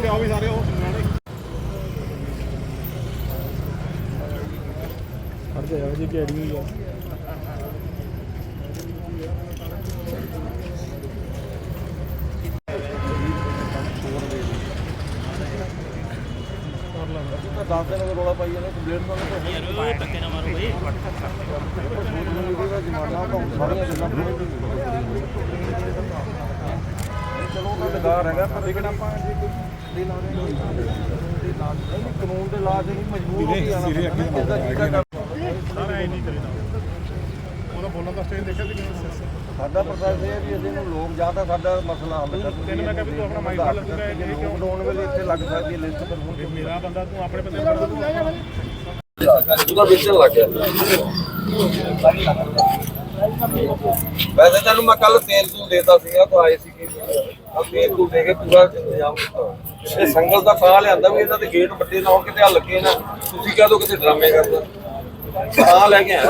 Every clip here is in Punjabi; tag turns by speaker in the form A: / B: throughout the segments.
A: ਲਿਆਓ ਵੀ ਸਾਰੇ ਉਹ ਖੜ ਜਾ ਜੀ ਕਿਹੜੀ ਹੋਈ ਆ
B: दस दिन रौला पाई जाने कंप्लेंट धक्के ना मारो भाई चलो बेकार है पर लेकिन कानून के ला के मजबूर हो
A: बोलने का स्टेज देखा
B: साडा प्रोसेस है भी ਅਸੀਂ ਲੋਕ ਜ਼ਿਆਦਾ ਸਾਡਾ ਮਸਲਾ ਹੱਲ ਕਰ
A: ਤੈਨੂੰ ਮੈਂ ਕਿਹਾ ਵੀ ਤੂੰ ਆਪਣਾ ਮਾਈਕ ਲਾ ਲੱਗੂਗਾ ਇਹ ਕਿਉਂ
B: ਲੋਕਡਾਊਨ ਵੇਲੇ ਇੱਥੇ ਲੱਗ ਸਕਦੀ ਹੈ ਲਿਸਟ ਪਰ ਹੁਣ
A: ਮੇਰਾ ਬੰਦਾ ਤੂੰ ਆਪਣੇ ਬੰਦੇ ਨੂੰ
B: ਉਹਦਾ ਵੇਚਣ ਲੱਗ ਗਿਆ ਵੈਸੇ ਤੈਨੂੰ ਮੈਂ ਕੱਲ ਤੇਲ ਤੂੰ ਦੇਤਾ ਸੀਗਾ ਤੂੰ ਆਏ ਸੀ ਕਿ ਆ ਤੇਲ ਤੂੰ ਦੇ ਕੇ ਪੂਰਾ ਇੰਤਜ਼ਾਮ ਕੀਤਾ ਇਹ ਸੰਗਲ ਦਾ ਸਾਹ ਲਿਆਂਦਾ ਵੀ ਇਹਨਾਂ ਦੇ ਗੇਟ ਵੱਡੇ ਨਾ ਹੋਣ ਕਿਤੇ ਹੱਲ ਕੇ ਨਾ ਤੁਸੀਂ ਕਹਿ ਦੋ ਕਿਤੇ ਡਰਾਮੇ ਕਰਦਾ ਸਾਹ ਲੈ ਕੇ ਆਇਆ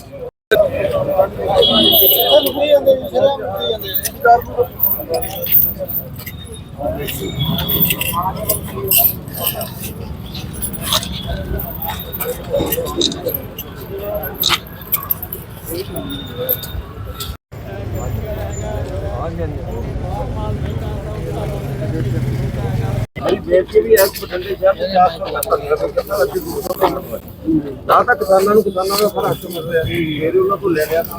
B: देश के भी बठिंडे शहर ना तो किसानों में फिर उन्होंने को ले लिया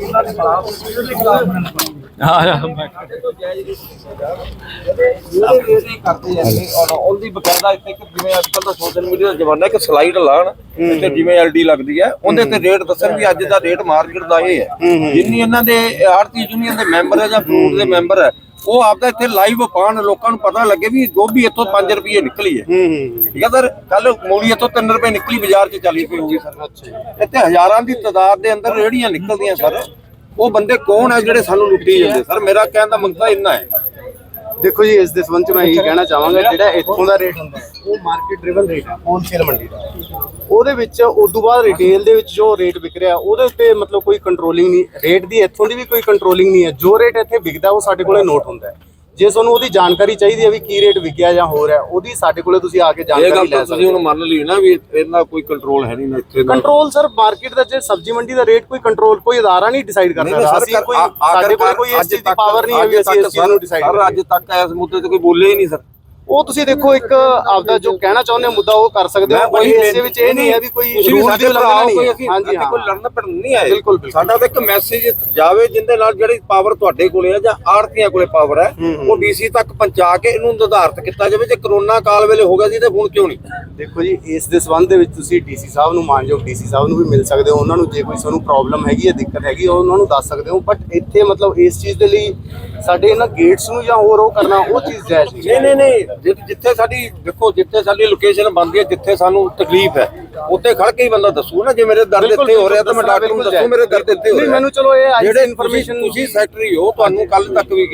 B: सोशल मीडिया का जमाना कि स्लाइड लाण जिवें एलडी लगती है उहदे ते रेट दसन भी अज दा रेट मार्केट का ये है जिन्नी इन्हां दे आड़ती यूनियन के मैंबर है या फ्रूट के मैंबर है वो आपका इतने लाइव पान लोगों को पता लगे भी गोभी इतों 5 रुपये निकली है ठीक है सर कल मूली इतों 3 रुपये निकली बाजार च 40 रुपये होगी सर इतने हजारों की तादाद के अंदर रेहड़ियां निकलदियां सर वो बंदे कौन है जिहड़े सानू लुट्टी जांदे सर मेरा कहण दा मकसद इन्ना है
C: देखो जी इस दे संबंध में यही कहना चाहांगा जिहड़ा इत्थों दा रेट हुंदा है वो मार्केट ड्रिवन रेट है होलसेल मंडी दा ਉਹਦੇ ਵਿੱਚ ਉਦੋਂ ਬਾਅਦ ਰਿਟੇਲ ਦੇ ਵਿੱਚ ਜੋ ਰੇਟ ਵਿਕ ਰਿਹਾ ਉਹਦੇ ਉੱਤੇ ਮਤਲਬ ਕੋਈ ਕੰਟਰੋਲਿੰਗ ਨਹੀਂ ਰੇਟ ਦੀ ਇੱਥੋਂ ਦੀ ਵੀ ਕੋਈ ਕੰਟਰੋਲਿੰਗ ਨਹੀਂ ਹੈ ਜੋ ਰੇਟ ਇੱਥੇ ਵਿਕਦਾ ਉਹ ਸਾਡੇ ਕੋਲੇ ਨੋਟ ਹੁੰਦਾ ਹੈ ਜੇ ਤੁਹਾਨੂੰ ਉਹਦੀ ਜਾਣਕਾਰੀ ਚਾਹੀਦੀ ਹੈ ਵੀ ਕੀ ਰੇਟ ਵਿਕਿਆ ਜਾਂ ਹੋ ਰਿਹਾ ਉਹਦੀ ਸਾਡੇ ਕੋਲੇ ਤੁਸੀਂ ਆ ਕੇ ਜਾਣਕਾਰੀ ਲੈ ਸਕਦੇ ਹੋ।
B: ਤੁਸੀਂ ਹੁਣ ਮੰਨ ਲਈ ਨਾ ਵੀ ਇਹਨਾਂ ਕੋਈ ਕੰਟਰੋਲ ਹੈ ਨਹੀਂ ਇੱਥੇ
C: ਕੰਟਰੋਲ ਸਰ ਮਾਰਕੀਟ ਦਾ ਜੇ ਸਬਜ਼ੀ ਮੰਡੀ ਦਾ ਰੇਟ ਕੋਈ ਕੰਟਰੋਲ ਕੋਈ ਅਦਾਰਾ ਨਹੀਂ ਡਿਸਾਈਡ ਕਰਦਾ ਅਸੀਂ ਕੋਈ ਸਾਡੇ ਕੋਲ ਕੋਈ ਇਸ ਚੀਜ਼ ਦੀ ਪਾਵਰ ਨਹੀਂ ਹੈ ਵੀ ਅਸੀਂ ਇਸ ਚੀਜ਼ ਨੂੰ ਡਿਸਾਈਡ ਕਰੀਏ।
B: ਅੱਜ ਤੱਕ ਇਸ ਮੁੱਦੇ ਤੇ ਕੋਈ ਬੋਲੇ ਹੀ ਨਹੀਂ ਸਰ
C: ਉਹ ਤੁਸੀਂ ਦੇਖੋ ਇੱਕ ਆਪਦਾ ਜੋ ਕਹਿਣਾ ਚਾਹੁੰਦੇ ਮੁੱਦਾ ਉਹ ਕਰ ਸਕਦੇ ਹੋ ਕੋਈ ਇਸੇ ਵਿੱਚ ਇਹ ਨਹੀਂ ਹੈ ਵੀ ਕੋਈ ਰੂਲ ਦੀ ਉਲੰਘਣਾ ਨਹੀਂ ਹੈ। ਹਾਂਜੀ ਹਾਂ
B: ਕੋਈ ਲੜਨ ਪੜਨ ਨਹੀਂ ਆਏ ਬਿਲਕੁਲ ਸਾਡਾ ਤਾਂ ਇੱਕ ਮੈਸੇਜ ਜਾਵੇ ਜਿੰਦੇ ਨਾਲ ਜਿਹੜੀ ਪਾਵਰ ਤੁਹਾਡੇ ਕੋਲੇ ਹੈ ਜਾਂ ਆੜਤੀਆਂ ਕੋਲੇ ਪਾਵਰ ਹੈ ਉਹ ਡੀਸੀ ਤੱਕ ਪਹੁੰਚਾ ਕੇ ਇਹਨੂੰ ਨਿਰਧਾਰਿਤ ਕੀਤਾ ਜਾਵੇ ਜੇ ਕਰੋਨਾ ਕਾਲ ਵੇਲੇ ਹੋ ਗਿਆ ਸੀ ਤੇ ਹੁਣ ਕਿਉਂ ਨਹੀਂ।
C: ਦੇਖੋ ਜੀ ਇਸ ਦੇ ਸੰਬੰਧ ਦੇ ਵਿੱਚ ਤੁਸੀਂ ਡੀਸੀ ਸਾਹਿਬ ਨੂੰ ਮਾਨਯੋਗ ਡੀਸੀ ਸਾਹਿਬ ਨੂੰ ਵੀ ਮਿਲ ਸਕਦੇ ਹੋ ਉਹਨਾਂ ਨੂੰ ਜੇ ਕੋਈ ਤੁਹਾਨੂੰ ਪ੍ਰੋਬਲਮ ਹੈਗੀ ਹੈ ਦਿੱਕਤ ਹੈਗੀ ਉਹਨਾਂ ਨੂੰ ਦੱਸ ਸਕਦੇ ਹੋ ਬਟ ਇੱਥੇ ਮਤਲਬ ਇਸ ਚੀਜ਼ ਦੇ ਲਈ ਸਾਡੇ ਇਹਨਾਂ ਗੇਟਸ ਨੂੰ ਜਾਂ ਹੋਰ ਉਹ ਕਰਨਾ ਉਹ ਚੀਜ਼ ਜਾਇਜ਼
B: ਨਹੀਂ ਜਿੱਥੇ ਸਾਡੀ ਦੇਖੋ ਜਿੱਥੇ ਸਾਡੀ ਲੋਕੇਸ਼ਨ ਬਣਦੀ ਹੈ ਜਿੱਥੇ ਸਾਨੂੰ ਤਕਲੀਫ ਹੈ ਉੱਥੇ ਖੜ ਕੇ ਹੀ ਬੰਦਾ ਦੱਸੂ ਨਾ ਜੇ ਮੇਰੇ ਦਰਦ ਇੱਥੇ ਹੋ ਰਿਹਾ ਤਾਂ ਮੈਂ ਡਾਕਟਰ ਨੂੰ ਦੱਸੂ ਮੇਰੇ ਦਰਦ ਇੱਥੇ ਹੋ ਰਿਹਾ
C: ਮੈਨੂੰ ਚਲੋ ਇਹ
B: ਜਿਹੜੇ ਇਨਫੋਰਮੇਸ਼ਨ ਤੁਸੀਂ ਸੈਕਟਰੀ ਹੋ ਤੁਹਾਨੂੰ ਕੱਲ ਤੱਕ ਵੀ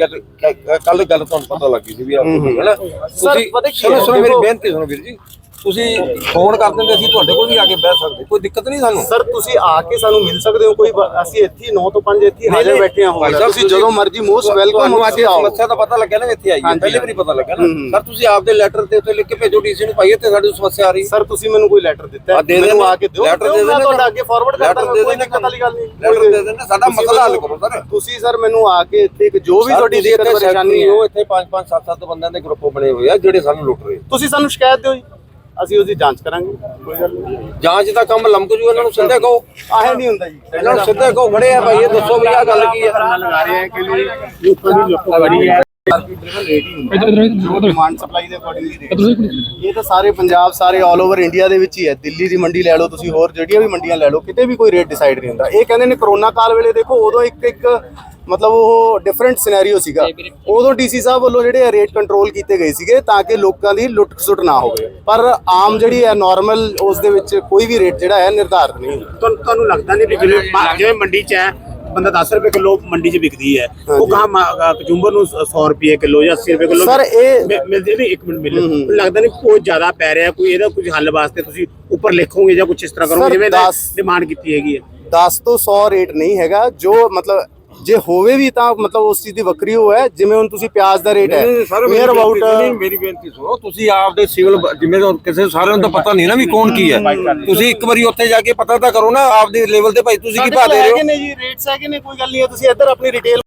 B: ਕੱਲ ਗੱਲ ਤੁਹਾਨੂੰ ਪਤਾ ਲੱਗੀ ਸੀ ਵੀ ਆ ਹੈਨਾ ਤੁਸੀਂ ਸੁਣੋ ਮੇਰੀ ਬੇਨਤੀ ਸੁਣੋ ਵੀਰ ਜੀ ਤੁਸੀਂ ਫੋਨ ਕਰ ਦਿੰਦੇ ਅਸੀਂ ਤੁਹਾਡੇ ਕੋਲ ਵੀ ਆ ਕੇ ਬਹਿ ਸਕਦੇ ਕੋਈ ਦਿੱਕਤ ਨਹੀਂ ਸਾਨੂੰ
C: ਸਰ ਤੁਸੀਂ ਆ ਕੇ ਸਾਨੂੰ ਮਿਲ ਸਕਦੇ ਹੋ ਕੋਈ ਅਸੀਂ ਇੱਥੇ 9 ਤੋਂ 5 ਇੱਥੇ ਹਾਜ਼ਰ ਬੈਠੇ ਹਾਂ ਤੁਸੀਂ ਜਦੋਂ ਮਰਜ਼ੀ ਮੋਸਟ ਵੈਲਕਮ
B: ਅੱਜ ਸਮੱਸਿਆ ਦਾ ਪਤਾ ਲੱਗਿਆ ਨਾ ਇੱਥੇ ਆਈ ਪਹਿਲੇ ਵੀ ਪਤਾ ਲੱਗਾ ਨਾ ਸਰ ਤੁਸੀਂ ਆਪਦੇ ਲੈਟਰ ਤੇ ਉੱਤੇ ਲਿਖ ਕੇ ਭੇਜੋ ਡੀਸੀ ਨੂੰ ਪਾਈਏ ਤੇ ਸਾਡੀ ਸਮੱਸਿਆ ਆ ਰਹੀ
C: ਸਰ ਤੁਸੀਂ ਮੈਨੂੰ ਕੋਈ ਲੈਟਰ ਦਿੱਤਾ ਮੈਨੂੰ ਆ ਕੇ ਦਿਓ
B: ਲੈਟਰ ਦੇ ਦੇਣਾ
C: ਤੁਹਾਡਾ ਅੱਗੇ ਫਾਰਵਰਡ ਕਰਦਾ ਕੋਈ ਦਿੱਕਤ ਵਾਲੀ ਗੱਲ ਨਹੀਂ
B: ਲੈਟਰ ਦੇ ਦੇਣਾ ਸਾਡਾ ਮਸਲਾ ਹੱਲ ਕਰੋ ਸਰ
C: ਤੁਸੀਂ ਸਰ ਮੈਨੂੰ ਆ ਕੇ ਇੱਥੇ ਜੋ ਵੀ ਤੁਹਾਡੀ ਦਿੱਕਤ ਪਰੇਸ਼ਾਨੀ
B: ਹੋ ਇੱਥੇ 5-5 7-7 ਬੰਦਿਆਂ ਦੇ ਗਰੁੱਪ ਬਣੇ ਹੋਏ ਆ ਜਿਹੜੇ ਸਾਨੂੰ ਲੁੱਟ ਰਹੇ
C: ਤੁਸੀਂ ਸਾਨੂੰ ਸ਼ਿਕਾਇਤ ਦਿਓ ਜੀ ਅਸੀਂ ਉਹਦੀ ਜਾਂਚ ਕਰਾਂਗੇ ਕੋਈ ਗੱਲ ਨਹੀਂ
B: ਜਾਂਚ ਦਾ ਕੰਮ ਲੰਮਕ ਜੂ ਇਹਨਾਂ ਨੂੰ ਸਿੱਧੇ ਕਹੋ
C: ਆਹੇ ਨਹੀਂ ਹੁੰਦਾ ਜੀ
B: ਇਹਨਾਂ ਨੂੰ ਸਿੱਧੇ ਕਹੋ ਖੜੇ ਆ ਭਾਈ ਇਹ ਦੱਸੋ ਵੀ ਆ ਗੱਲ ਕੀ ਹੈ
C: ਲਗਾ ਰਹੇ ਆ ਕਿ ਲੋਕਾਂ ਦੀ ਲੁੱਟ ਬੜੀ ਹੈ डिमांड सप्लाई ਦੇ ਅਕੋਰਡਿੰਗਲੀ ਇਹ ਤਾਂ ਸਾਰੇ ਪੰਜਾਬ ਸਾਰੇ ਆਲ ਓਵਰ ਇੰਡੀਆ ਦੇ ਵਿੱਚ ਹੀ ਹੈ ਦਿੱਲੀ ਦੀ ਮੰਡੀ ਲੈ ਲਓ ਤੁਸੀਂ ਹੋਰ ਜਿਹੜੀਆਂ ਵੀ ਮੰਡੀਆਂ ਲੈ ਲਓ ਕਿਤੇ ਵੀ ਕੋਈ ਰੇਟ ਡਿਸਾਈਡ ਨਹੀਂ ਹੁੰਦਾ ਇਹ ਕਹਿੰਦੇ ਨੇ ਕਰੋਨਾ ਕਾਲ ਵੇਲੇ ਦੇਖੋ ਉਦੋਂ ਇੱਕ ਮਤਲਬ ਉਹ ਡਿਫਰੈਂਟ ਸਿਨੈਰੀਓ ਸੀਗਾ ਉਦੋਂ ਡੀਸੀ ਸਾਹਿਬ ਵੱਲੋਂ ਜਿਹੜੇ ਰੇਟ ਕੰਟਰੋਲ ਕੀਤੇ ਗਏ ਸੀਗੇ ਤਾਂ ਕਿ ਲੋਕਾਂ ਦੀ ਲੁੱਟ ਖਸੁੱਟ ਨਾ ਹੋਵੇ ਪਰ ਆਮ ਜਿਹੜੀ ਹੈ ਨਾਰਮਲ ਉਸ ਦੇ ਵਿੱਚ ਕੋਈ ਵੀ ਰੇਟ ਜਿਹੜਾ ਹੈ ਨਿਰਧਾਰਿਤ ਨਹੀਂ ਹੁੰਦਾ
D: ਤੁਹਾਨੂੰ ਲੱਗਦਾ ਨਹੀਂ ਕਿ ਜਿਵੇਂ ਮੰਡੀ 'ਚ ਹੈ ਬੰਦਾ 10 रुपए किलो मंडी च बिकती है वो कहाँ कचुंबर 100 रुपए किलो या 80 रुपए किलो
C: सर
D: मिलती नहीं 1 मिनट मिल लगता नहीं कोई ज्यादा पै रहा कोई ਇਹਦਾ कुछ हल वास्ते ਤੁਸੀਂ ਉੱਪਰ ਲਿਖੋਗੇ ਜਾਂ ਕੁਝ ਇਸ ਤਰ੍ਹਾਂ ਕਰੋਗੇ ਜਿਵੇਂ ਡਿਮਾਂਡ ਕੀਤੀ ਹੈਗੀ ਹੈ
C: 10 ਤੋਂ 100 ਰੇਟ ਨਹੀਂ ਹੈਗਾ ਜੋ ਮਤਲਬ ਜੇ ਹੋਵੇ ਵੀ ਤਾਂ ਮਤਲਬ ਉਸ ਚੀਜ਼ ਦੀ ਵੱਖਰੀ ਉਹ ਹੈ, ਜਿਵੇਂ ਹੁਣ ਤੁਸੀਂ ਪਿਆਜ਼ ਦਾ ਰੇਟ ਹੈ ਨੀਅਰ ਅਬਾਊਟ
B: ਮੇਰੀ ਬੇਨਤੀ ਸੁਣੋ, ਤੁਸੀਂ ਆਪਦੇ ਸਿਵਲ ਜਿਵੇਂ ਕਿਸੇ ਸਾਰਿਆਂ ਨੂੰ ਤਾਂ ਪਤਾ ਨਹੀਂ ਨਾ ਵੀ ਕੌਣ ਕੀ ਹੈ, ਤੁਸੀਂ ਇੱਕ ਵਾਰੀ ਉੱਥੇ ਜਾ ਕੇ ਪਤਾ ਤਾਂ ਕਰੋ ਨਾ ਆਪਦੇ ਲੈਵਲ ਤੇ ਭਾਈ ਤੁਸੀਂ ਕੀ ਭਾਅ ਦੇ ਰਹੇ ਹੋ।
C: ਨੇ ਜੀ ਰੇਟਸ ਹੈਗੇ ਨੇ, ਕੋਈ ਗੱਲ ਨਹੀਂ ਹੈ, ਤੁਸੀਂ ਇੱਧਰ ਆਪਣੀ ਰਿਟੇਲ